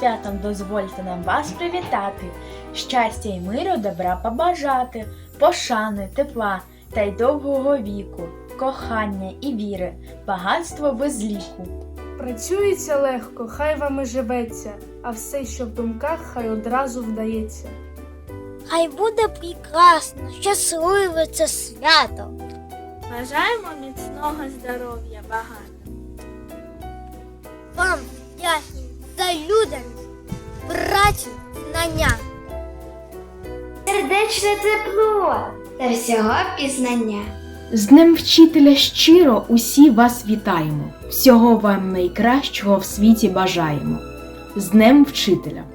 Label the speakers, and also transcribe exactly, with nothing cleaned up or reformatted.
Speaker 1: святом дозвольте нам вас привітати, щастя й миру, добра побажати, пошани, тепла та й довгого віку, кохання і віри, багатство без ліку.
Speaker 2: Працюється легко, хай вам і живеться, а все, що в думках, хай одразу вдається.
Speaker 3: Хай буде прекрасно, щасливе це свято.
Speaker 4: Бажаємо міцного здоров'я багато.
Speaker 3: Вам вдячні за людяність, працю, знання.
Speaker 5: Сердечне тепло та всього пізнання.
Speaker 6: З Днем Вчителя щиро усі вас вітаємо. Всього вам найкращого в світі бажаємо. З Днем Вчителя!